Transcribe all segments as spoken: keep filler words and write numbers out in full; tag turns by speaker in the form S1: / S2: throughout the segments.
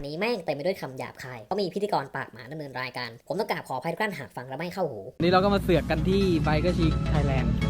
S1: นี้แม่งเต็มไปด้วยคำหยาบคายเพราะมีพิธีกรปากหมาดำเนินรายการผมต้องกราบขออภัยทุกท่านหากฟังแล้วไม่เข้าหู
S2: นี่เราก็มาเสือกกันที่ไบเกอร์ชิคไทยแลนด์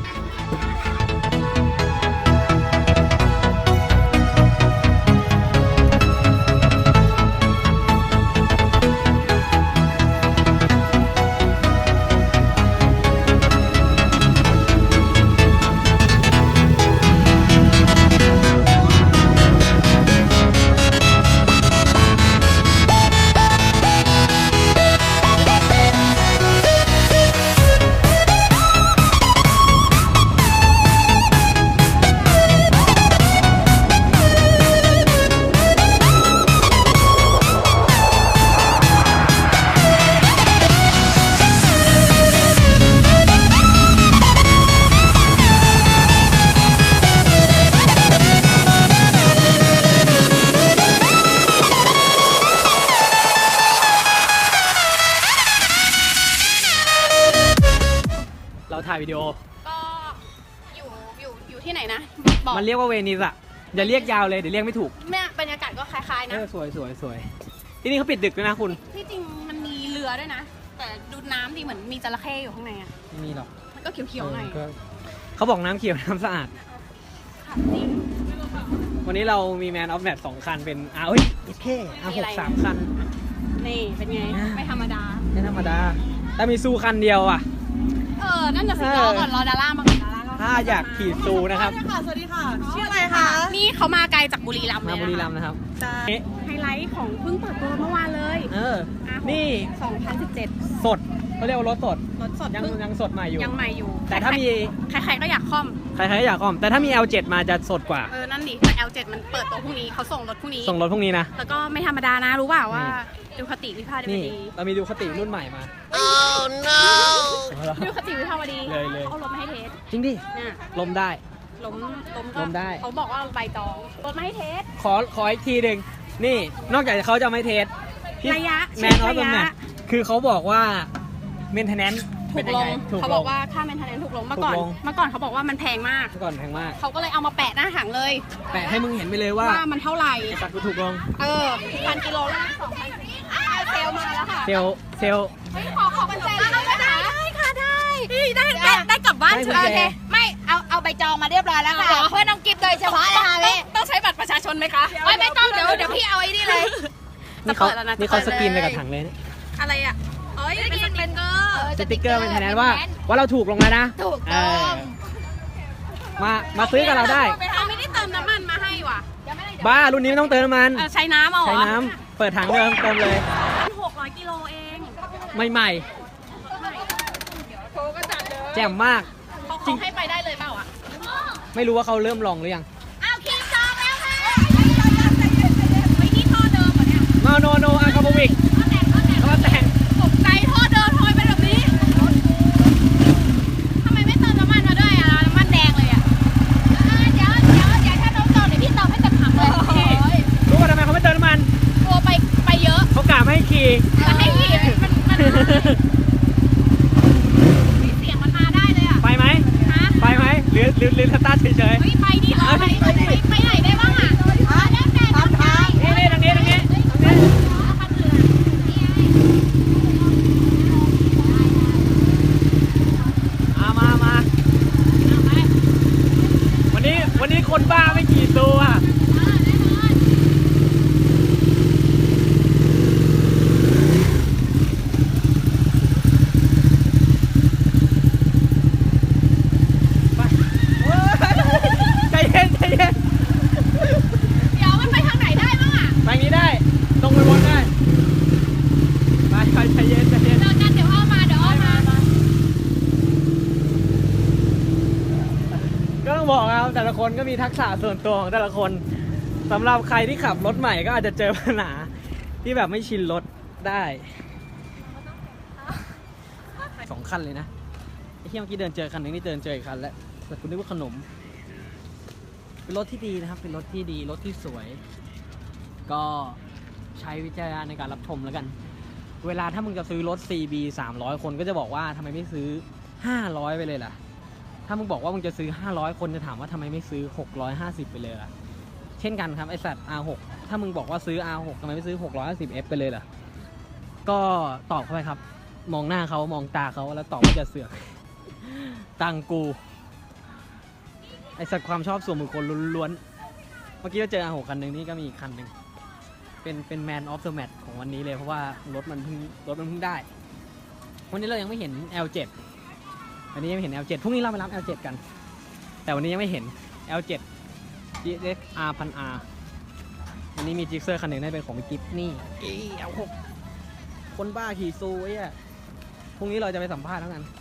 S2: เราถ่ายวิดีโอ
S3: ก็อยู่อยู่อยู่ที่ไหนนะบอก
S2: มันเรียกว่าเวนิสอะอย่าเรียกยาวเลยเดี๋ยวเรียกไม่ถูก
S3: แม่บรรยากาศก็คล้ายๆนะ
S2: เออสวยสวยสวยที่นี่เขาปิดดึกด้วยนะคุณ
S3: ที่จริงมันมีเรือด้วยนะแต่ดูน้ำดิเหมือนมีจระเข้อยู่ข้างในอ่ะ
S2: ไม่มีหรอก
S3: มันก็เขียวๆหน่อย
S2: เขาบอกน้ำเขียวน้ำสะอาด
S3: จริง
S2: วันนี้เรามีแมนออฟแมทสองคันเป็นอาร์เอ้ยเท่อาร์หกสามคัน
S3: นี่เป็นไงไม่ธรรมดา
S2: ไม่ธรรมดาแต่มีซูคันเดียวอ่ะ
S3: เออนั่นจะสิรอก่อนรอดาร่ามาก่อนดาร่า
S2: ถ้าอยากขี่ซูนะครับ
S4: สวัสดีค่ะชื่ออะไรคะ
S3: นี่เขามาไกลจากบุรีรัมย์เลย
S2: มาบุรีรัมย์นะครับ
S3: ไฮไลท์ของเพิ่งเปิดตัวเมื่อวานเลย
S2: เออนี่
S3: สองพันสิบเจ็ด
S2: สดเขาเรียกว่ารถสด
S3: รถสด
S2: ยังยังสดใหม่อยู่
S3: ยังใหม่อยู่
S2: แต่ถ้ามี
S3: ใครๆก็อยากคล่อม
S2: ใครๆก็อยากคล่อมแต่ถ้ามี แอล เจ็ด มาจะสดกว่า
S3: เออนั่นดิแต่ แอล เจ็ด มันเปิดตัวพรุ่งนี้เขาส่งรถพรุ่งนี้
S2: ส่งรถพรุ่งนี้นะ
S3: แล้วก็ไม่ธรรมดานะรู้เปล่าว่าดูคติวิภาวดี
S2: เรามีดูคติรุ่นใหม่มา
S3: oh no ดูคติวิภาวดี
S2: เลยเลย
S3: เอารถมาให้เทส
S2: จริงดิลมได้
S3: ล้มล้ม
S2: ล้มได้
S3: เขาบอกว่าใบตองรถมาให้เทส
S2: ขอขออีกทีหนึ่งนี่นอกจากเขาจะไม่เทส
S3: ระยะ
S2: แมนออฟแมทคือเขาบอกว่าเมนเทนแนนซ์
S3: ถูกลงเขาบอกว่าค่าเมนเทนแนนซ์ถูกลงเมื่อก่อนเมื่อก่อนเขาบอกว่ามันแพงมาก
S2: เมื่อก่อนแพงมาก
S3: เขาก็เลยเอามาแปะหน้าถังเลย
S2: แปะให้มึงเห็นไปเลยว่า
S3: ว่ามันเท่าไหร่
S2: ตัดกูถูกลง
S3: เออพันกิโลละสองพันเซลมาแล้วค่ะ
S2: เซลเซล
S3: ขอขอกุญแจได้ได้ค่ะได้ได้ได้ได้กลับบ้านใช่ไหม
S4: ไม่เอาเอาใบจองมาเรียบร้อยแล้วค่ะเพื่อนน้องกิฟต์โดยเฉพาะเลยค่ะเลย
S3: ต้องใช้บัตรประชาชนไหมคะ
S4: ไม่ไม่ต้องเดี๋ยวเดี๋ยวพี่เอาไอ้นี่เลย
S2: นี่เขานี่เขาสกรีนไปกับถังเลย
S3: อะไรอ่ะเอ้ยเป็นสติ๊กเกอร์
S2: สติ๊กเกอร์เป็นแทนว่าว่าเราถูกลงแล้วนะ
S4: ถูกต้อง
S2: มามาซื้อกับเราได้
S3: เขาไม่ได้เติมน้ำมันมาให้ว่ะ
S2: บ้ารุ่นนี้ไม่ต้องเติมน้ำมัน
S3: ใช้น้ำเอา
S2: ใช้น้ำเปิดถังเดิมเติมเลย
S3: หกร้อยกิโลเอง
S2: ใหม่แจ่มมาก
S3: จริงให้ไปได้เลยเปล่าอ่ะ
S2: ไม่รู้ว่าเขาเริ่มลองหรือยัง
S4: เอาคิวจองแล้วค่ะ
S3: ไว้ที่ท่อเดิมเหรอเนี่ย
S2: โนโนโนอาคาโบวิกเขามาแต่ง
S3: ตกใจท่อเดิมทำไมเป็นแบบนี้ทำไมไม่เติมน้ำมันมาด้วยอ่ะน้ำมันแดงเลยอ่ะ
S4: เดี๋ยวเดี๋ยวเดี๋ยวถ้าน้องจองเดี๋ยวพี่เติมให้เต็มถังเลย
S2: รู้ว่าทำไมเขาไม่เติมน้ำมัน
S3: กลัวไปไปเยอะ
S2: เขากะไม่ให้ขี่
S3: จะให้ขี่มันมันเสียงมันมาได้เลยอ่ะ
S2: ไปไหมไปไหมหรือหรือหรือสตาร์ทเฉย
S3: ๆไปดิเหรอไปไปไปไหนได้บ้างอ่ะ
S4: แล้วแต่ทำทาง
S2: นี่นี่ตรงนี้ตรงนี้มามามาวันนี้วันนี้คนบ้าไม่กี่ตัวใจเย็นใจเย็น
S3: เดี๋ยวมันไปทางไหนได้บ้างอ่ะ
S2: ไปนี้ได้ตรงไปบนได้ไปไปใจเย็นใจเย็น
S3: เจอกันเดี๋ยวเอามาเดี๋ยวเอามา
S2: ก็ต้องบอกครับแต่ละคนก็มีทักษะส่วนตัวของแต่ละคนสำหรับใครที่ขับรถใหม่ก็อาจจะเจอปัญหาที่แบบไม่ชินรถได้สองคันเลยนะไอ้ที่เมื่อกี้เดินเจอคันนึงนี่เดินเจออีกคันแล้วแต่คุณนึกว่าขนมเป็นรถที่ดีนะครับเป็นรถที่ดีรถที่สวยก็ใช้วิจารณญาณในการรับชมแล้วกันเวลาถ้ามึงจะซื้อรถ ซี บี สามร้อยคนก็จะบอกว่าทำไมไม่ซื้อห้าร้อยไปเลยล่ะถ้ามึงบอกว่ามึงจะซื้อห้าร้อยคนจะถามว่าทำไมไม่ซื้อหกร้อยห้าสิบไปเลยล่ะเช่นกันครับไอสัตว์ อาร์ หก ถ้ามึงบอกว่าซื้อ อาร์ หก ทำไมไม่ซื้อ หกร้อยห้าสิบเอฟ ไปเลยล่ะก็ตอบเข้าไปครับมองหน้าเขามองตาเขาแล้วตอบว่าจะเสือกตังกูไอสัตว์ความชอบส่วนบุคคลล้วนๆเมื่อกี้เราเจอ อาร์ หก คันหนึ่งนี่ก็มีอีกคันหนึ่งเป็นเป็น Man of the Match ของวันนี้เลยเพราะว่ารถมันเพิ่งรถมันเพิ่งได้วันนี้เรายังไม่เห็น แอล เจ็ด วันนี้ยังไม่เห็น แอล เจ็ด พรุ่งนี้เราไปรับ แอล เจ็ด กันแต่วันนี้ยังไม่เห็น แอล เจ็ด จี เอ็กซ์ อาร์ พัน อาร์ วันนี้มีจิกเซอร์คันหนึ่งได้เป็นของกิฟนี่ แอล หก คนบ้าขี่ซูไอ้อะพรุ่งนี้เราจะไปสัมภาษณ์แล้วกัน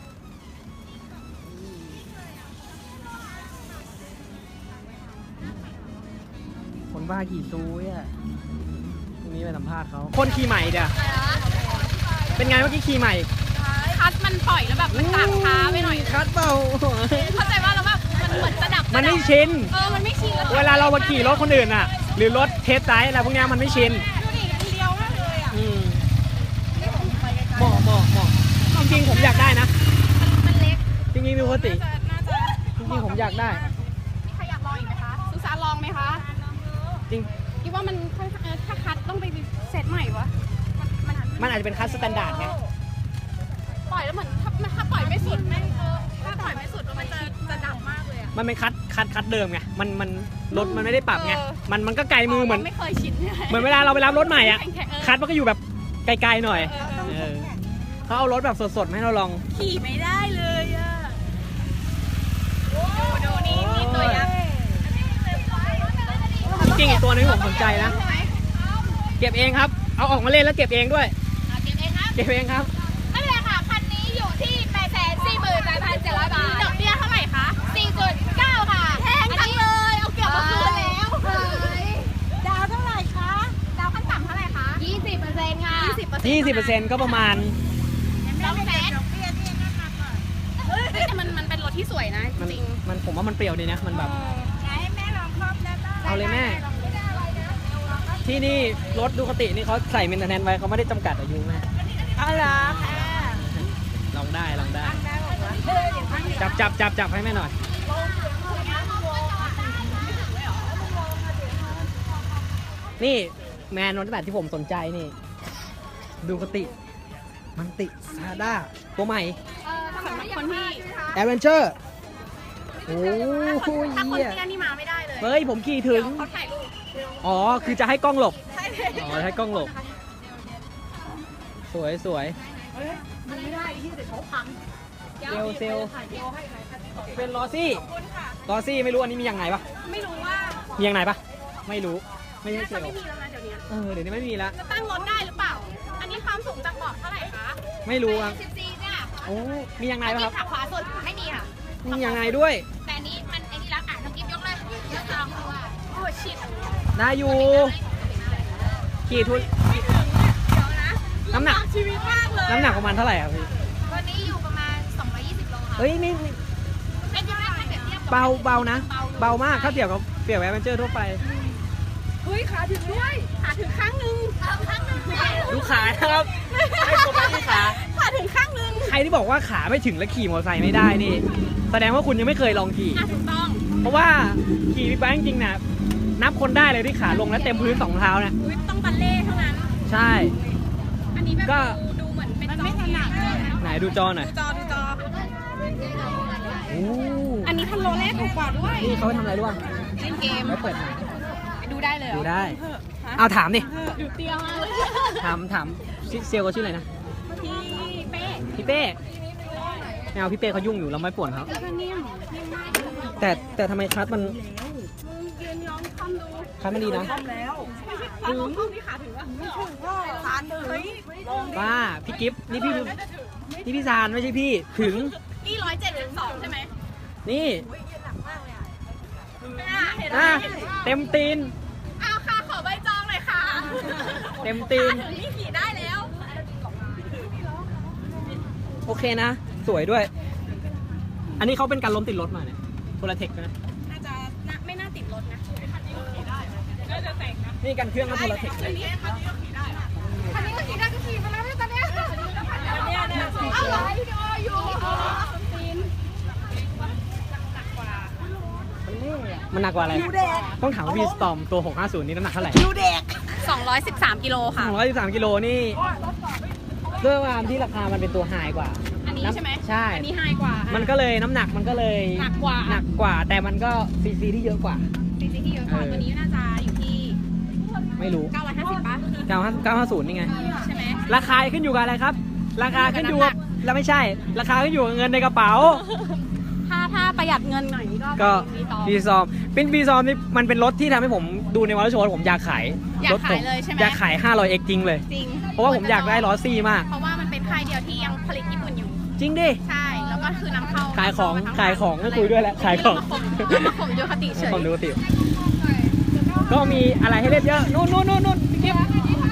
S2: คนบ้าขี่ซูไอ้อะพรุ่งนี้ไปสัมภาษณ์เขาคนขี่ใหม่เดี๋ยวเป็นไงเมื่อกี้ขี่ใหม่
S3: คัสมันปล่อยแล้วแบบมันต่างช้าไปหน่อย
S2: คัดเปล่า
S3: เข้าใจว่าแล้วแบบมันเหมือนจะดับ
S2: มันไม่ชิน
S3: เออมันไม่ชินแล้ว
S2: เวลาเรามาขี่รถคนอื่นอ่ะ หรือรถเทสไซส์อะไรพวกเนี้ยมันไม่ชิน
S3: ดูดิอันเดียวมากเลยอ่ะ
S2: อืมเหมาะเหมาะเหมาะจริงๆผมอยากได้นะ
S3: มันเล็ก
S2: จริงๆมีปกติ
S3: น่าจะน่าจะ
S2: จริงๆผมอยากได้
S3: มีใครอยากลองอีกไหมคะสุสานลองไหมคะ
S2: จริง
S3: คิดว่ามันค่อนข้างเออถ้าคัดต้องไปเซตใหม่วะมัน
S2: มันอาจจะเป็นคัสสแตนดาร์ดไง
S3: ปล่อยแล้วเหมือนถ้าถ้าปล่อยไม่สุดไม่เออถ้าปล่อยไม่สุดมันจะจะดับมากเลยอ่ะ
S2: มันเป็นคัดคัดคัดเดิมไง มันมันรถมันไม่ได้ปรับไง
S3: เออ
S2: มันมันก็ไกลมือเหมือน
S3: ไม่เคยชิน
S2: เหมือนเวลาเราไปรับรถใหม่อ่ะ
S3: แข็งๆเออ
S2: คัดมันก็อยู่แบบไกลๆหน่อย
S3: เออเออ
S2: เออเขาเอารถแบบสดๆมาให้เราลอง
S3: ขี่ไม่ได้เลยอ่ะดูดูนี่นี่ตัวยักษ์
S2: จริงๆอีกตัวนึงผมสนใจนะ เก็บเองครับ เอาออกมาเล่นแล้วเก็บเองด้วย
S3: เอาเก็บเองครับ
S2: เก็บเองครับ
S3: ไม่เป็นไรค่ะคันนี้อยู่ที่แปดแสนสี่หมื่นแปดพันเจ็ดร้อยบาทดอกเบี้ยเท่าไหร่คะสี่จุดเก้าค่ะแพงจังเลยเอาเกือบมาคืนแล้วดาวเท่าไหร่คะดาวขั้นต่ำเท่าไหร่คะยี่สิบเปอร์เซ็นต์ค่ะยี่สิบเปอร์เซ็นต์
S2: ยี่สิบเปอร์เซ็นต์ก็ประมาณ
S3: สองแสนแต่มันมันเป็นรถที่สวยนะ
S2: มัน
S3: จริง
S2: มันผมว่ามันเปรี้ยวดีนะ มันแบบ
S3: ให้แม่ลองครอบได้บ้าง
S2: เอาเลยแม่ ที่นี่รถดูคตินี่เขาใส่เมนเทนแนนไว้เขาไม่ได้จำกัดอายุแม่
S3: เอาล่ะ
S2: ลองได้ลองได้ จับจับจับจับให้แม่หน่อย นี่แมนรถแบบที่ผมสนใจนี่ ดูคติ มันติซาด้าตัวใหม่
S3: สำหรับคนที่
S2: แอดเวนเจอร์ โอ้โห
S3: ถ้าคน
S2: เหี้ย
S3: เตี้ยนี่มาไม่ได้เลย
S2: เฮ้ย ผมขี่ถึง
S3: เขาถ่ายรูป
S2: อ๋อ คือจะให้กล้องหลบ
S3: ใช่เลย
S2: อ๋อให้กล้องหลบ สวยสวย
S3: มันไม่ได้ที่เดี๋ยวเขาพัง
S2: เซลเซลเป็นลอซี่ลอซี่ไม่รู้อันนี้มีอย่างไหนปะ
S3: ไม่รู้ว่า
S2: มีอย่างไหนปะไม่รู้ ไม่ใช่
S3: น่า
S2: เซ
S3: จะ
S2: ล
S3: ไม่มีแล้วนะเดี๋ยวนี้
S2: เออเดี๋ยวนี้ไม่มีแล้ว
S3: จะตั้งรถได้หรือเปล่า อันนี้ความสูงจากเบาะเท่าไหร่คะ
S2: ไม่รู้ครับ
S3: สิบสี่เนี่ย
S2: โอ้มีอย่างไหนปะครับ
S3: ขาขวาสุดไม่มีค่ะ
S2: มีอย่างไหนด้วย
S3: แต่อันนี้มันไอ้นี่แล้วอ่ะน้องกิ๊บยกเลยยกลองดูว่าโอ้ชิด
S2: ได้อยู่ขี่ทุน
S3: ไม่ถึงเนี่ยเดี๋ยวนะ
S2: น้ำหนัก
S3: ลำบาชีวิตมากเลย
S2: น้ำหนักประมาณเท่าไหร่ครับพี่
S3: วันนี้อยู่ประมาณสองร้อยยี่สิบโลค่ะ
S2: เฮ้ยไม่ไม่
S3: เป็นยังไงถ้าเปรียบเทียบกับ
S2: เบาเบานะ เบามากถ้าเทียบกับเปรียบแอดเวนเจอร์ทั่วไป
S3: เฮ้ยขาถึงด้วยขาถึงข้างนึงข้างนึง
S2: ดูขานะครับให้โฟกัสที่ขา
S3: ขาถึงข้างนึง
S2: ใครที่บอกว่าขาไม่ถึงแล้วขี่มอเตอร์ไซค์ไม่ได้นี่ แสดงว่าคุณยังไม่เคยลองขี่
S3: อ่ะถูกต้อง
S2: เพราะว่าขี่บิ๊กไบค์จริงๆนะนับคนได้เลยที่ขาลงแล้วเต็มพื้นสองเท้านะ
S3: อุ๊ยต้องบัลเล่เท่านั้น
S2: ใช่
S3: อันนี้แบบ
S2: ก็
S3: ดูดูเหมือนเป็นจอไม่ถนัด
S2: ไหนดูจอหน่อย
S3: ดูจอดูจอ
S2: โอ้
S3: อันนี้พันโลแรกถูกกว่าด้วย
S2: นี่เขาไปทำอะไรรู้ป่ะ
S3: เล่นเกม
S2: ไว้เปิดหน่อย
S3: ดูได้เลยเหรอ
S2: ดูได้ เอาถามดิ
S3: ดูเตี้ยมากเลย
S2: ถามถามซิเซลเขาชื่ออะไรนะ
S3: พี่เป๊ะ
S2: พี่เป้ไม่เอาพี่เป้เขายุ่งอยู่เราไม่ป่วนเขา
S3: แล้วก็นิ่มนิ่มมาก
S2: แต่แต่ทำไมคัสมัน
S3: มึงยืนย้อนคอมดู
S2: คัสมันดีนะ
S3: ถึงคอมนี่ขาถึงวะไม่ถึงว่าขาถึงเฮ้ย
S2: ป้าพี่กิฟต์นี่พี่นี่พี่ซานไม่ใช่พี่ถึง
S3: นี่ร้อยเจ็ดสิบสองใช่ไหม
S2: นี่
S3: อ่ะเห็นไหม
S2: อ่ะเต็มตีน
S3: เอาค่ะขอใบจองหน่อยค่ะ
S2: เต็มตีน
S3: ขาถึงนี่ขี่ได้แล้ว
S2: โอเคนะ สวยด้วย อันนี้เขาเป็นการล้มติดรถมาเนี่ยโพลาเทคนะ
S3: น่าจะน่าไม่น่าติดรถนะคันนี้ก็ขี่ได้น่าจะแต่งนะ
S2: นี่กันเครื่องก็โพลาเทค
S3: คันนี้คันนี้ก็ขี่ได้คันนี้ก็ขี่ได้ก็ขี่ไปแล้วเนี่ยตอนเนี้ยเนี่ยเนี่ยเอาไลฟ์วิดีโออยู่ซีนหนักกว่า
S2: มันเล่อะมันหนักกว่าอะไรต้องถามพี่สตอมตัวหกห้าศูนย์นี่น้ำหนักเท่าไหร่
S3: สองร้อยสิบสามกิโลค่ะ
S2: สองร้อยสิบสามกิโลนี่ด้วยความที่ราคามันเป็นตัวไฮกว่า
S3: อันนี้ใช่ไหม
S2: ใช่
S3: อันนี้ไฮกว่า
S2: มั
S3: มัน
S2: ก็เลยน้ำหนักมันก็เลย
S3: หนักกว่า
S2: หนักกว่า แต่มันก็ซีซีที่เยอะกว่า
S3: ซีซีที่เยอะกว่า
S2: เออ
S3: ตัวนี้น่าจะอยู่ที่
S2: ไม่รู้
S3: เก้าร้อยห้าสิบป่ะ
S2: เก้าห้าศูนย์นี่ไง
S3: ใช่ไหม
S2: ราคาขึ้นอยู่กับอะไรครับ ราคาขึ้นอยู่กับแล้วไม่ใช่ ราคาขึ้นอยู่กับเงินในกระเป๋า
S3: ถ้าถ้าประหยัดเงินหน่อยนี่ก็
S2: ก็
S3: มีต่อ
S2: บีซอมเป็นบีซอมนี่มันเป็นรถที่ทำให้ผมดูในวอลโชว์ผมอยากขาย
S3: อยาก
S2: รถผ
S3: ขายเลยใช่ไหม
S2: อยากขาย ห้าร้อยเอ็กซ์ จริงเลย
S3: จริง
S2: เพราะว่าผมอยากได้ล้อซี่มาก
S3: เพราะว่ามันเป็นค่ายเดียวที่ยังผลิตญี่ปุ่นอยู่
S2: จริงดิ
S3: ใช่ แล้วก็คือนำเข้า
S2: ขายของ
S3: นำเข้ม
S2: ขายของไม่คุยด้วยแล้วขายของ
S3: มาข่มดูคติเฉย
S2: ผมดูติก็มีอะไรให้เล่นเยอะนู่นนู่นนู่นนู่นพี่กิ๊ฟ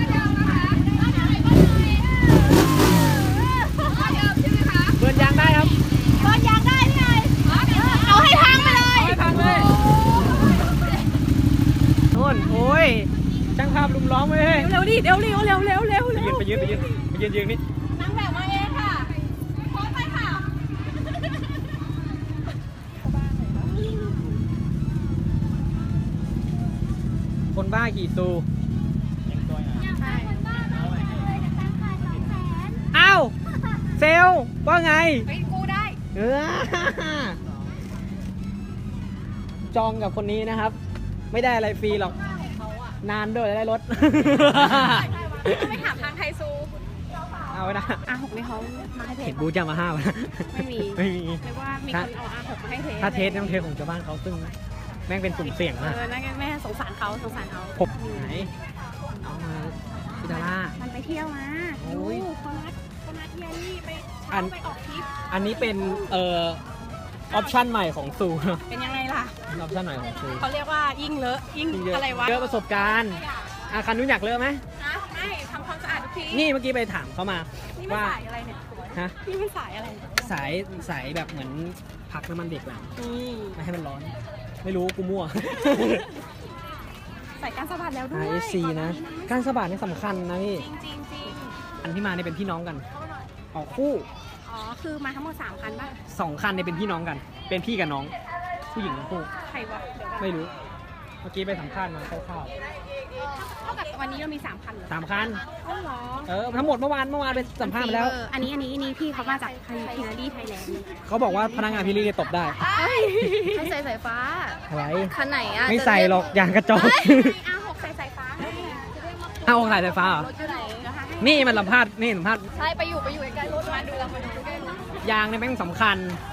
S2: เบิร์นยางได้ครับ
S3: ตอนยางได้ไงเอาให้พังไปเลย
S2: เอาให้พังเลยนู่นโอ้ยช่างภาพลุมล้อมเว้ย
S3: เร็วดิเร็วเร็วเร็วเร็วเร็ว
S2: ไปยืนไปยืนไปยืนไปยืนยืนนี่
S3: นางแบบมาเองค่ะโพสไปค่ะ
S2: คนบ้าขี่ซูอ้าวเซลลว่าไง
S3: เฮ้ยกูได้
S2: เออจองกับคนนี้นะครับ ไม่ได้อะไรฟรีหรอก นานด้วยได้รถ
S3: ไม่ถามทางไทซู
S2: เอาไว้นะ
S3: อาหกไม่เขามาให้เท
S2: เห็
S3: ส
S2: นบูธจะมาห้าวนะ
S3: ไม่มี
S2: ไม่มี
S3: เรียกว่ามีคนเอาอาหกมาให้เทส
S2: ถ้าเทสต้องเทสของชาวบ้านเขาซึ่งแม่งเป็นสุ่มเสี่ยง
S3: เอ
S2: มาก
S3: อนั่นไงแม่สงสารเขาสงสารเขา
S2: ผมไหนเอามาพิดาร่า
S3: มันไปเที่ยวมา
S2: โอ้
S3: ดู
S2: ย
S3: เขานัดเขานัดเทียรี่ไป
S2: อัน
S3: ไปออกทริป
S2: อันนี้เป็นเอ่อออปชั่นใหม่ของซู
S3: เป็นยังไงล่ะ
S2: ออปชั่นใหม่ของซู
S3: เขาเรียกว่ายิ่งเลอะยิ่ง
S2: เยอะ
S3: อะไรวะ
S2: เยอะประสบการณ์อาคันนู้นอยากเลอะไหม
S3: นะไม่ทำความสะอาดทุกที
S2: นี่เมื่อกี้ไปถามเขามา
S3: นี่มัน
S2: ว่า
S3: สายอะไรเนี่ย
S2: ฮะ
S3: นี่มันสายอะไรเนี่ย
S2: สายสายแบบเหมือนพักน้ำมันเด็กแหละ
S3: นี่
S2: ไม่ให้มันร้อน ไม่รู้กูมั่ว
S3: ใส่การสะบัดแล้วด้วย
S2: อาร์ เอส ซี นะ การสะบัดนี่สำคัญนะพี่
S3: จริงจริงจริง
S2: อันที่มาเนี่ยเป็นพี่น้องกัน ออกคู่
S3: อ๋อคือมาทั้งหมดสามคันป่ะ
S2: สองคันเนี่ยเป็นพี่น้องกัน เป็นพี่กับน้อง ผู้หญิงทั้งคู่
S3: ใครวะเดี๋ยวก่อน
S2: ไม่รู้ เมื่อกี้ไปสัมภาษณ์มาคร่าว
S3: เท่ากับวันนี้เรามีสามคันเหรอ
S2: ๆสามคัน
S3: อ๋อเหรอ
S2: เออ ทั้งหมดเมื่อวานเมื่อวานไปสัมภาษณ์มาแล้ว
S3: เอออันนี้อันนี้อันนี้พี่เขามาจากพินารีไทยแลนด์
S2: เขาบอกว่าพนักงานพี่ลี่ตบได้
S4: ให้ใส่สายฟ้า
S2: อะไร
S4: คันไหนอ่ะ
S2: ไม่ใส่หรอกยางกระจอก
S3: อาหกใส่สายฟ้าให้
S2: เอาขายไฟฟ้าเหรอ
S4: รถอยู่ไหน
S3: เดี๋ยวหาให้
S2: นี่มันสัมภาษณ์นี่สัมภาษณ์
S4: ใช่ไปอยู่ไปอยู่ใกล้ๆรถมาดูเรามาดูใกล้ๆรถ
S2: ยางเนี่ยแม่งสำคัญ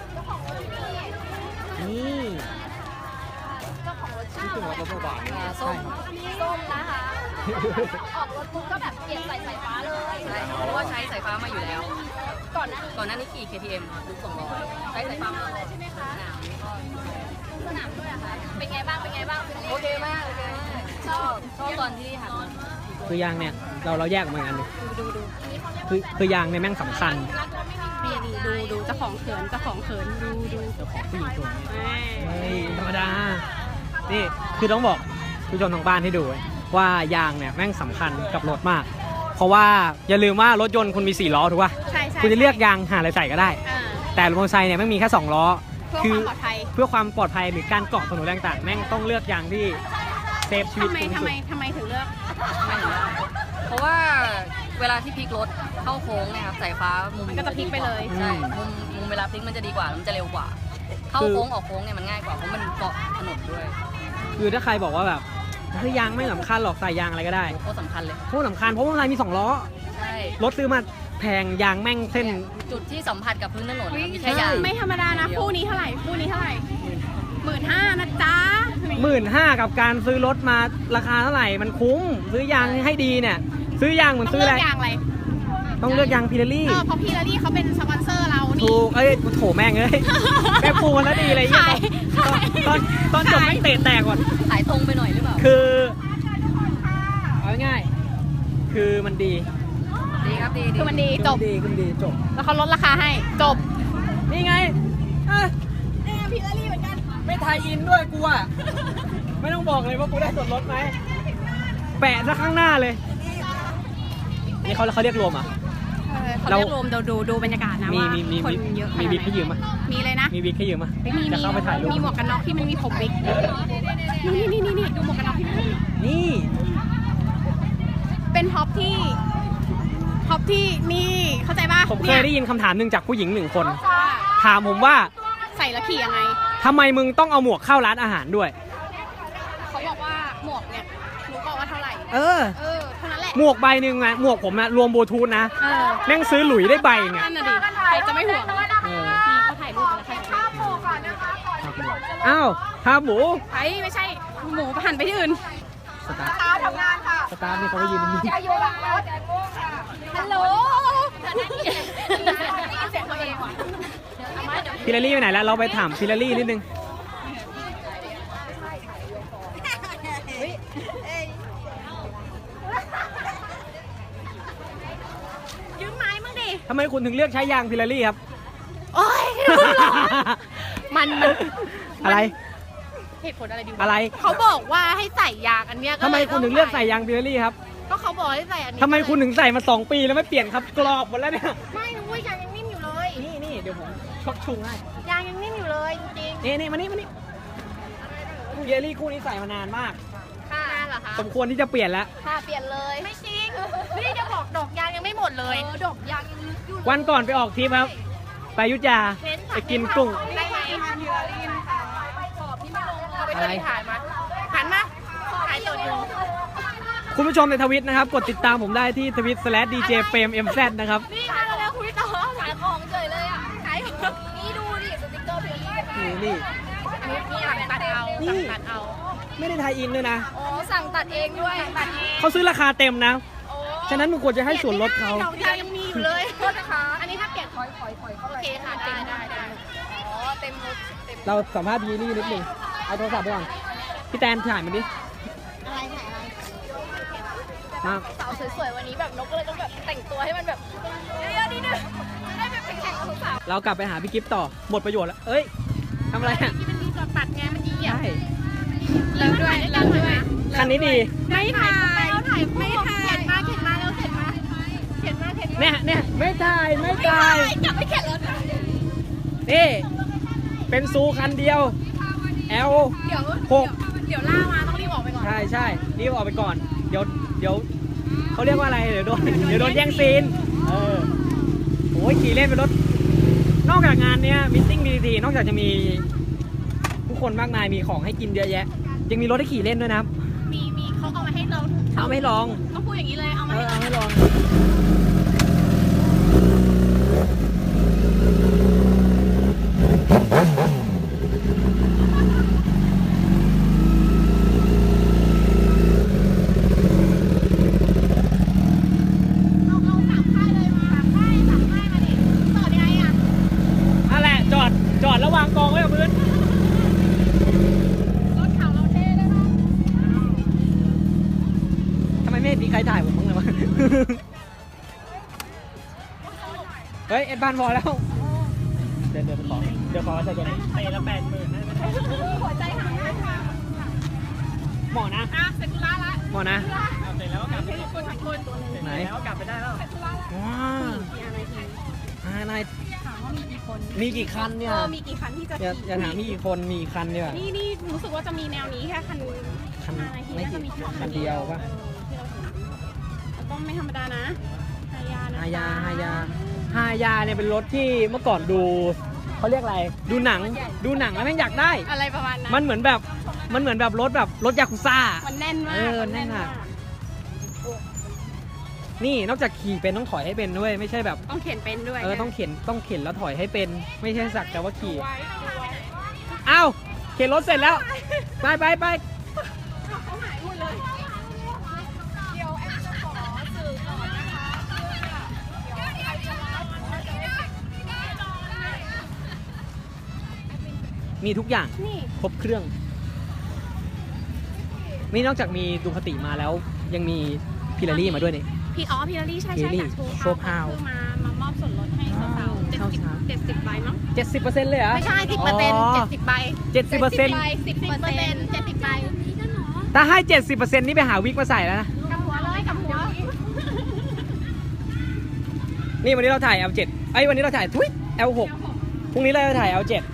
S2: นี่
S4: เจ้าของรถ
S2: นี่
S4: เช่า
S2: คือรถรถบาท
S4: อ่าส้มส้มนะคะ ออกรถปุ๊บก็แบบเปลี่ยนใส่สายฟ้าเลยใช่เพราะว่าใช้สายฟ้ามาอยู่แล้ว ก่อนหน้าก่อนหน้านี้ขี่ เค ที เอ็ม ค่ะลูกสองร้อยใช้สายฟ้ามาเลยใช่ไหมคะสนามก็สนามด้วยอะค่ะเป็นไงบ้างเป็นไงบ้างโอเคมากโอเคมากชอบชอบตอนที่หันมา
S2: คือยางเนี่ยเราเราแยกออกมาอีกอันหนึง
S3: ดูดู
S2: คือคือยางเนี่ยแม่งสำคัญ
S3: นี่ดีดูดูเจ้าของเขินเจ้าของเขินดูดู
S2: เจ้าของผู้หญิงตัวนี้
S3: แม่
S2: เฮ้ยธรรมดา นี่คือต้องบอกผู้ชมทางบ้านให้ดูว่ายางเนี่ยแม่งสำคัญกับรถมาก เพราะว่าอย่าลืมว่ารถยนต์คุณมีสี่ล้อถูกป่ะ
S3: ใช่ใช่
S2: คุณจะเลือกยางหาอะไรใส่ก็ได้
S3: อ่า
S2: แต่รถมอเตอร์ไซค์เนี่ยแม่งมีแค่สองล้อ
S3: เพื่อความปลอดภัย
S2: เพื่อความปลอดภัยหรือการเกาะถนนต่างๆ แม่งต้องเลือกยางที่เซฟชีวิต
S3: ทำไม
S2: คุณที่
S3: ทำ
S2: สุ
S3: ไม
S2: ด
S3: ทำไมถึงเลือก
S4: เพราะว่าเวลาที่พลิกรถเข้าโค้งเนี่ยครับสายฟ้ามุม
S3: มันก็จะพลิกไปเลย
S4: ใช่มุมมุมเวลาพลิกมันจะดีกว่าแล้วมันจะเร็วกว่า เข้าโค้งออกโค้งเนี่ยมันง่ายกว่าเพราะมันเกาะถนนด้วย
S2: คือถ้าใครบอกว่าแบบเฮ้ยยางไม่สำคัญหรอกใส่ยางอะไรก็ได้
S4: โคตรสำคัญเลย
S2: เพราะสำคัญเพราะว่ามอเตอร์ไซค์มีสองล้อ
S4: ใช่
S2: รถซื้อมาแพงยางแม่งเส้น
S4: จุดที่สัมผัสกับพื้นถนน
S3: อุ๊ย
S4: มีแค่ยาง
S3: ไม่ธรรมดานะคู่นี้เท่าไหร่คู่นี้เท่าไหร่หมื่นห้านะจ๊ะ
S2: หมื่นห้ากับการซื้อรถมาราคาเท่าไหร่มันคุ้ม ซื้อยางให้ดีเนี่ย ซื้อยางเหมือน
S3: ต้อง
S2: ซื้อ
S3: เลื
S2: อะ
S3: อ
S2: ไร
S3: กอย่างอะไร
S2: ต้องเลือกยางพิเรลี่
S3: เออเพราะพี่ลารี่เขาเป็นสปอนเซอร์เรานี่
S2: ถูกเอ้ยโถแม่งเอ้ย แม่ปูมันแล้วดีเลยเหี้ย
S3: ขาย
S2: ตอนตอนตอนจบ
S3: ขาย
S2: แม่งเตะแตกก่อน
S4: สายตรงไปหน่อยหรือเปล่า
S2: คือเอาง่ายๆคือมันดี
S4: ดีครับดีดี
S3: คือมันดีจบ
S2: คือมันดีคือมันดีจบ
S3: แล้วเขาลดราคาให้จบ
S2: นี่ไงเอ้ย
S3: เนี่ยพี่ลารี่เหมือนกัน
S2: ไม่ไทยอินด้วยกูอ่ะ ไม่ต้องบอกเลยว่ากูได้ส่วนลดไหมแปะซะข้างหน้าเลย นี่เขาเขาเรียกรวมอ่ะ
S3: เขาเรียกรวมดูดูดูบรรยากาศนะ
S2: มี
S3: ว่า
S2: มีมี
S3: คน
S2: มี
S3: เยอะข
S2: มี
S3: นาด
S2: วิกให้
S3: ไหน
S2: ยืมปะ
S3: มีเลยนะ
S2: มีวิกให้ยืมปะ
S3: ไม่มี
S2: จะเข้าไปถ่ายรูป
S3: มีหมวกกันน็อกที่มันมีผมวิกนี่นี่นี่นี่ดูหมวกกันน็อกที่มันมี
S2: นี่
S3: เป็นท็อปที่ท็อปที่นี่เข้าใจป่ะ
S2: ผมเคยได้ยินคำถามหนึ่งจากผู้หญิงหนึ่งคน
S3: ว่า
S2: ถามผมว่า
S3: ใส่แล้วขี่ยังไง
S2: ทำไมมึงต้องเอาหมวกเข้าร้านอาหารด้วย
S3: เขาบอกว่าหมวกเนี่ยรู้บอกว่าเท่าไหร่
S2: เออ
S3: เออเท่านั้นแหละ
S2: หมวกใบหนึ่งอะหมวกผมอะรวมบลูทูธนะ
S3: เออ
S2: แม่งซื้อหลุยได้ใบไง
S3: นั่นน่ะดิใครจะไม่ห่วง
S2: เออ
S3: นี่เขาถ่ายรูปกันแล้วใครจะไม่ห่วง
S2: อ้าวฮาหมู
S3: ไอ้ไม่ใช่หมูหันไปที่อื่น
S2: สตาร์ทสตาร์ทนี่เขาไปยืนตรงนี้
S3: ฮัลโหล
S2: พิลารี่ไปไหนแล้วเราไปถามพิลารี่นิดนึง
S3: ยืมไม้มึงดิ
S2: ทำไมคุณถึงเลือกใช้ยางพิลารี่ครับ
S3: โอ้ยมันมัน
S2: อะไร
S3: เหตุผลอะไรดีวะ
S2: อะไร
S3: เขาบอกว่าให้ใส่ยางอันเนี้ยก็
S2: ทำไมคุณถึงเลือกใส่ยางพิลารี่ครับ
S3: ก็เขาบอกให้ใส่อันนี้
S2: ทำไมคุณถึงใส่มาสองปีแล้วไม่เปลี่ยนครับกรอบหมดแล้วเนี่ย
S3: ไม่นะเว้ยยางยังนิ่มอยู่เลย
S2: นี่นี่เดี๋ยวผมชดชุงให้
S3: ยางยังนิ่มอยู่เลยจริง
S2: นี่นี่มานี่มานี่พิลารี่คู่นี้ใส่มานานมาก
S3: ๆค่ะเหรอคะ
S2: สมควรที่จะเปลี่ยนแล้ว
S3: ค่ะเปลี่ยนเลยไม่จริงนี่จะบอกดอกยางยังไม่หมดเลยดอกยางยังลึกอยู่
S2: วันก่อนไปออกทริปครับ ไปอยุธยาไปกินกุ้ง
S3: ได้ไหมพิลารีนค่ะขอบพี่ไม่ลงเอาไปเลยถ่ายมาหันมาถ่ายสดอยู่
S2: คุณผู้ชมในทวิตนะครับ กดติดตามผมได้ที่ทวิต slash ดี เจ เฟรม เอ็ม แซด นะครับ
S3: นี่ค่ะแล้วคุยต่อขายของเฉยเลยอ่ะขายของนี่ดูดิสติ๊กเกอร์พิลารี
S2: นี่นี่
S3: อันนี้นี่สั่งตัดเอา
S2: นี่
S3: สั่งตัดเอา
S2: ไม่ได้ไทยอินด้วยนะ
S3: โอ้สั่งตัดเองด้วยตัดเอง
S2: เขาซื้อราคาเต็มนะ
S3: โอ้
S2: ฉะนั้นมึงควรจะให้ส่วนลดเขา
S3: ดอกยางยังมีอยู่เลยโทษนะคะอันนี้ถ้าเปลี่ยนถอยถอยถอยเข้าโอเคค่ะได้ได้ได้อ๋อเต็มรถเต็ม
S2: เราสัมภาษณ์ยีนี่นิดหนึงเอาโทรศัพท์ไปก่อน พี่แตนถ่ายมาดิ
S3: อะไรถ่ายอะไร
S2: มา
S3: สาวสวยๆวันนี้แบบนกก็เลยต้องแบบแต่งตัวให้มันแบบเยอะๆนิดนึงจะได้แบบเป็นแข่งกับสาว
S2: เรากลับไปหาพี่กิฟต์ต่อ หมดประโยชน์แล้ว เอ้ยทำอะไรอ่ะ
S3: ที่มันมีจอดปัดไงมันดีอ่ะ
S2: ใช่
S3: เลิกด้วยเลิกด้วย
S2: คันนี้ดี
S3: ไม่ถ่ายเราถ่ายไม่ถ่ายเข็นมาเข็นมาแล้วเข็นมาเข็นมาเข็นมา
S2: เนี่ยเนี่ยไม่ถ่ายไม่ถ่าย
S3: กลับไปเข็นรถ
S2: นี่ เป็นซูคันเดียว แอล
S3: เดี๋ยว
S2: หก
S3: เดี๋ยวล่ามาต้องรีบออกไปก่อน
S2: ใช่ใช่รีบออกไปก่อน เดี๋ยวเดี๋ยวเขาเรียกว่าอะไร เดี๋ยวโดนเดี๋ยวโดนแย่งซีน เออโอ้ยขี่เล่นเป็นรถ นอกจากงานเนี้ยมิทติ้งดีทีนอกจากจะมีผู้คนมากมายมีของให้กินเยอะแยะ ยังมีรถให้ขี่เล่นด้วยนะครับ
S3: มีมีเขาเอามาให้เรา
S2: เอาไม่ลอง
S3: ต้องพูดอย่างนี้เลยเอา
S2: เอ
S3: มา
S2: อ
S3: ให้
S2: เอาไม่ลอง
S3: เอาเอาสามค่ายเลยมาสามค่ายสามค่ายมาดิต่อยังไงอ่ะ
S2: นั่นแหละจอดจอดแล้ววางกองไว้กับพื้น
S3: รถขาวเราเท่ได้ปะ
S2: ทำไมไม่เห็นมีใครถ่ายผมบ้างเลยวะ เฮ้ย เอ็ดบานพอแล้ว เดินเดินไปขอเดี๋ยวขอใส่ตัวนี้เตะละแปดหมื่นนะ
S3: หัวใจหายไปค่ะ
S2: เหมาะนะ
S3: อ่ะเสร็จธุระละ
S2: เหมาะนะ
S3: เสร็จแล้วก็กลับไปคนขับคน
S2: ไหนแล้วกลับไปได้แล้วว้าวอ่านาย
S3: ถามว่ามีกี่คน
S2: มีกี่คันเนี่ย
S3: เออมีกี่คันที่จะ
S2: อย่าอย่าถามมีกี่คนมีกี่คันเนี่ย
S3: นี่นี่รู้สึกว่าจะมีแนวนี้แค่คัน
S2: คัน
S3: อะไรที่
S2: ไม่
S3: น่าจะ
S2: กี่
S3: มี
S2: คันเดียวปะ
S3: เออที่เราเห็นแล้วก็ไม่ธรรมดานะฮายานะ
S2: ฮายาฮายาฮายาเนี่ยเป็นรถที่เมื่อก่อนดูเขาเรียกอะไร ดูหนัง ดูหนังแล้วแม่งอยากได้
S3: อะไรประมาณนั้น
S2: มันเหมือนแบบ มันเหมือนแบบรถแบบรถยากุซ่า
S3: มันแน่นมาก
S2: เออ
S3: มั
S2: แน่นมาก นี่นอกจากขี่เป็นต้องถอยให้เป็นด้วย ไม่ใช่แบบ
S3: ต้องเขียนเป็นด้วย
S2: เออต้องเข็นต้องเข็นแล้วถอยให้เป็น ไม่ใช่สักแต่ว่าขี่
S3: ไว้ไว้
S2: อ้าวเข็นรถเสร็จแล้ว ไปไปไป
S3: เขาหายหมดเลยเดี๋ยวแอมจะขอสื่อก่อนนะคะเพื่อเดี๋ยวใครจะรับก็จะได้
S2: มีทุกอย่าง
S3: นี่
S2: ครบเครื่อง นี่นอกจากมีดูคติมาแล้ว ยังมีพิลารี่มาด้วยนี่
S3: พี่อ๋อพี่ลลี่ใช่ใช่
S2: พี่ลลี่
S3: จาก
S2: โชว์พาว
S3: คือมามามอบส่วนลดให้สาวๆเจ็ดสิบ
S2: เช้าๆ
S3: เจ็ดสิบใบมั้ง
S2: เจ็ดสิบเปอร์เซ็นต์เลยเหรอ
S3: ไม่ใช่สิบเปอร์เซ็นต์เจ็ดสิบใบ
S2: เจ็ดสิบเปอร์เซ็นต์
S3: สิบเปอร์เซ็นต์เจ็ดสิบใบ
S2: ถ้าให้เจ็ดสิบเปอร์เซ็นต์นี่ไปหาวิกมาใส่แล้วนะ
S3: กับหัวเลยกับหัว
S2: วนี่วันนี้เราถ่าย แอล เจ็ด ไอ้ยวันนี้เราถ่ายทุย แอล หก พรุ่งนี้เราจะถ่าย แอล เจ็ด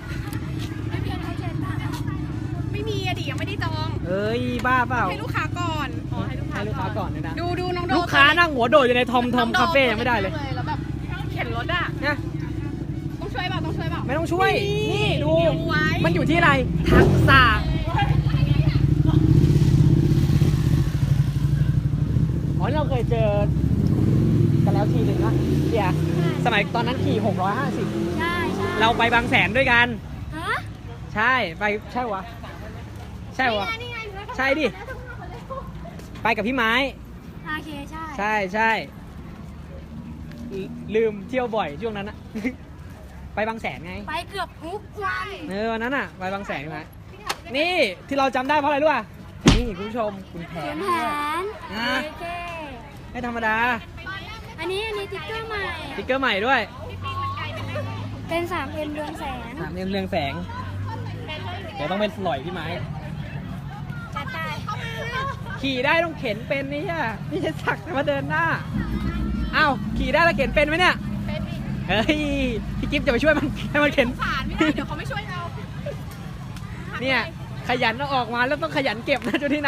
S3: ไม่มีอะดิยังไม่ได้จอง
S2: เอ้ยบ้าเปล่า
S3: ให้ลูกค้าก่อนอ๋อให้ลูกค้า
S2: ให้ลูกค้าก่อนเลยนะ
S3: ดูดูน้องโด
S2: ลูกค้านั่งหัวโดดอยู่ในทอมทอมคาเฟ่ยังไม่ได้เลย
S3: แล้วแบบเข็นรถอะ
S2: นะ
S3: ต้องช่วยเปล่าต้องช่วยเปล่า
S2: ไม่ต้องช่วย นี่ดู
S3: ไว้
S2: มันอยู่ที่อะไร ทักษะอ๋อเราเคยเจอกันแล้วทีหนึ่งนะเดียสมัยตอนนั้นขี่หกร้อยห้าสิบ
S5: ใช่ใช่
S2: เราไปบางแสนด้วยกัน
S5: ฮะ
S2: ใช่ไปใช่วะใช่วะใช่ดิไปกับพี่ไม้
S5: โอเคใช่
S2: ใช่ใช่ลืลืมเที่ยวบ่อยช่วงนั้นนะ ไปบางแสนไง
S5: ไปเกือบทุกวัน
S2: เออวันนั้นอ่ะไปบางแสนใช่ไหมนี่ที่เราจำได้เพราะอะไรรู้ป่ะนี่คุณผู้ชมคุณแผ
S5: เขีย
S2: น
S5: นแผน
S2: นะ
S5: โอเค
S2: ไม่ธรรมดา
S5: อันนี้อันนี้ติ๊กเกอร์ใหม่
S2: สติ๊กเกอร์ใหม่ด้วย
S5: เป็นสามเอ็มเรืองแสง
S2: สามเรืองเรืองแสงเดี๋ยวต้องเป็นหล่อยพี่ไม้
S5: จัดไป
S2: ขี่ได้ต้องเข็นเป็นนี่อ่ะนี่จะสักแต่มาเดินหน้าอ้าวขี่ได้แล้วเข็นเป็นไหมเนี่ยเฮ้ยพี่กิฟต์จะไปช่วยมันให้มันเข็น
S3: ผ่านไม่ได้เดี๋ยวเขาไม่ช่วยเรา
S2: เนี่ยขยันเอาออกมาแล้วต้องขยันเก็บนะจุที่นะ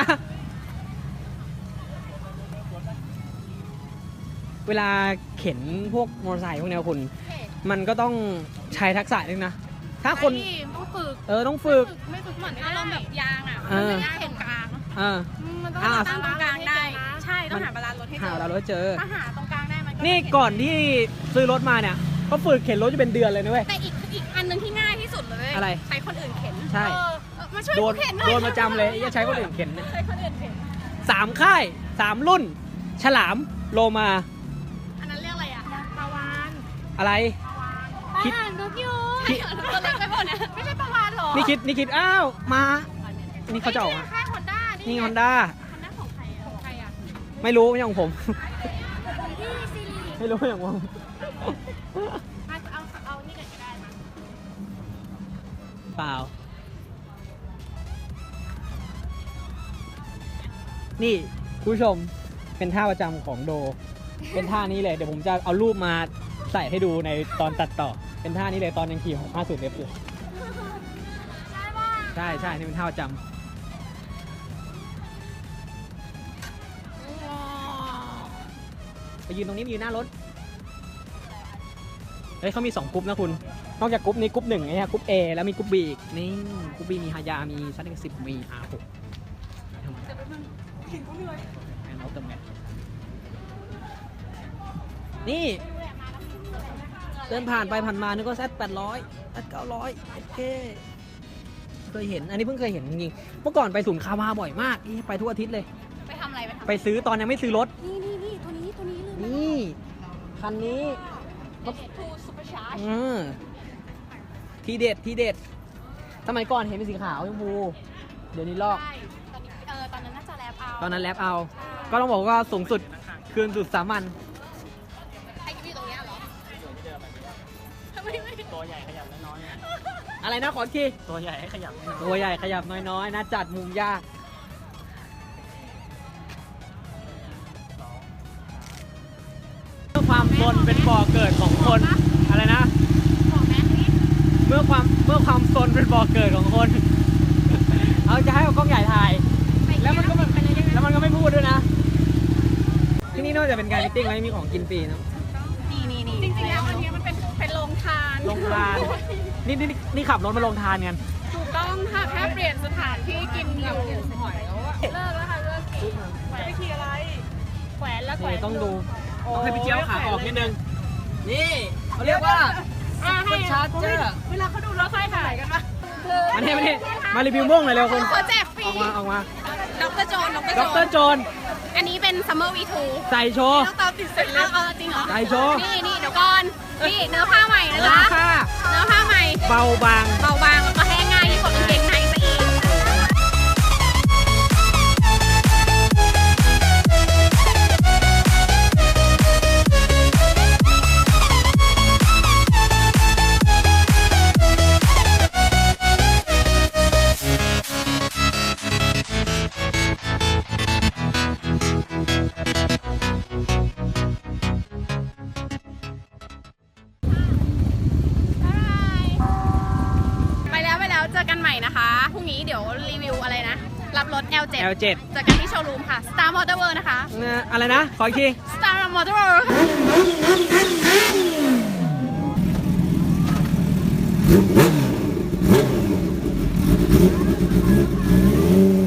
S2: เวลาเข็นพวกมอเตอร์ไซค์พวกเนี้ยคุณ มันก็ต้องใช้ทักษะนึงนะ ถ้าคน
S3: ต้องฝึก
S2: เออต้องฝึก
S3: ไม่ฝึกเหมือนอารมณ์แบบยางอ่ะ
S2: เออ
S3: มันไม่ได้เห็นกลาง
S2: เออ
S3: มันต้อง
S2: อ่า
S3: ตั้งตรงกลางได้ ใช่ต้องหาบาลานซ์รถให้เจ
S2: หา
S3: อ
S2: เราแล้วเจอ
S3: ถ้าหาตรงกลางได้มันก็
S2: นี่ก่อนที่ซื้อรถมาเนี่ยก็ฝึกเข็นรถจะเป็นเดือนเลยนะเว้ย
S3: แต่อีกอีกอันหนึงที่ง่ายที่สุดเลย
S2: อะไร
S3: ใช้คนอื่นเข็น
S2: ใช่
S3: เออเออมาช่วย
S2: โดน
S3: กูเข็นหน่อย
S2: โดนประจำเลยจะใช้คนอื่นเข็นเนี่ย
S3: ใช้คนอื่นเข็น
S2: สามค่ายสามรุ่น ฉลามโลมา
S3: อันนั้นเรียกอะไรอ่ะปลาวาน
S2: อะไร
S5: อา
S2: คิด
S5: หารนกยูง
S2: คิด
S3: ตัวเล็กไปหมดนะไม่ใช่ปลาวานหรอ
S2: นี่คิดนี่คิดอ้าวมานี่เขาจะออกมา
S3: ค่ายฮอนด้า
S2: นี่
S3: นี่
S2: ฮอนด้า
S3: ฮอนด้าของใครอ่ะของใครอ่ะ
S2: ไม่รู้ไม่ใช่ของผม
S5: ที่ซีรีส์
S2: ไม่รู้ไม่ใช่ของผม
S3: เอาเอาเอานี่กันก็ได้มา
S2: เปล่า นี่คุณผู้ชมเป็นท่าประจำของโด เป็นท่านี้เลยเดี๋ยวผมจะเอารูปมาใส่ให้ดูในตอนตัดต่อ เป็นท่านี้เลยตอนยังขี่หกห้าศูนย์เอฟอยู่ใช่ใช่นี่เป็นท่าประจำไปยืนตรงนี้ไปยืนหน้ารถเฮ้ยเขามีสองกรุ๊ปนะคุณ นอกจากกรุ๊ปนี้กรุ๊ปหนึ่งไงฮะกรุ๊ป A แล้วมีกรุ๊ป B อีกนี่กรุ๊ป B มีฮายา มีซันเอ็กซ์สิบมี อาร์ หกทำไมแมนเอาเติมแมนนี่เดินผ่านไปผ่านมานึกว่าแซดแปดร้อยแซดเก้าร้อยโอเคเคยเห็นอันนี้เพิ่งเคยเห็นจริงๆเมื่อก่อนไปศูนย์คาวาบ่อยมากนี่ไปทุกอาทิตย์เลย
S3: ไปทำอะไรไปทำ
S2: ไปซื้อตอนยังไม่ซื้อรถ
S5: นี่นี่นี่ตัวนี้ตัวนี้เลย
S2: นี่คันนี้
S3: ทูซูเปอร์ชาร์จ
S2: อืมทีเด็ดทีเด็ดสมัยก่อนเห็นเป็นสีขาวชมพูเดี๋ยวนี้ลอก
S3: ใช่ตอนนี้เออตอนนั้นน่าจะแลบเอา
S2: ตอนนั้นแรปเอา ก็ต้องบอกว่าสูงสุดคืนสุดสามัญ
S3: ไอ้ที่ตรงเนี้ยเหรอไม่ไม่
S2: ตัวใหญ่ขยับน้อยอะไรนะขออีกทีตัวใหญ่ขยับตัวใหญ่ขยับน้อยๆนะจัดมุมยากเมื่อความซนเป็นบ่อเกิดของคนอะไรนะ
S3: บอกแม่นี่
S2: เมื่อความเมื่อความซนเป็นบ่อเกิดของคน เอาจะให้เอากล้องใหญ่ถ่าย แล้วมันก็แบบแล้วมันก็ไม่พูดด้วยนะ ที่นี่นอกจากเป็นการมิทติ้งแล้วยังมีของกินฟรีนะ
S3: นี่นี่นี่จริงๆแล้วอันเนี้ยมันเป็นเป็นโรงทาน
S2: ลงทาน นี่นี่นี่ขับรถมาลงทานกัน
S3: ถูกต้องค่ะแค่เปลี่ยนสถานที่กินอยู่หอยแล้วอะเลิกแล้วค่ะเลิกขี่จะไปขี่อะไรแขวนแล้วแขว
S2: นี่
S3: น
S2: ต้องดู
S3: โอ้
S2: ต้องให้พี่เจี๊ยบขาออกนิดนึง นี่เขาเรียกว่า
S3: อ่ะให้
S2: ชาร์เจอร์
S3: เวลาเขาดูรถไฟขายกันปะ
S2: มาเนี่ยมาเนี่ยมารีวิวม่วงหน่อยเร็วคุณ
S3: เขาแจกฟรี
S2: ออกมาออกมา
S3: ดรโจนด
S2: ด
S3: รโจ
S2: ร
S3: น
S2: โจน
S3: อันนี้เป็น Summer วี ทู
S2: ใส่โชว์
S3: ต้องตามติดเสร็จแล้วเออจริงเหรอ
S2: ใส่โชว์
S3: นี่นี่เดี๋ยวก่อน นี่เนื้อผ้าใหม่นะ
S2: รา
S3: คะ
S2: คา
S3: เนื้อผ้าใหม่
S2: เบาบาง
S3: เบาบางแล้วก็แห้งง่ายยิ่งกว่ากางเกงในซะอีกดี๋ยวรีวิวอะไรนะ รับรถ แอล เจ็ด
S2: แอล เจ็ด
S3: จากกันที่โชว์รูมค่ะ Star Motor World นะคะ
S2: นะอะไรนะ ขออีกที
S3: Star Motor World
S2: Thank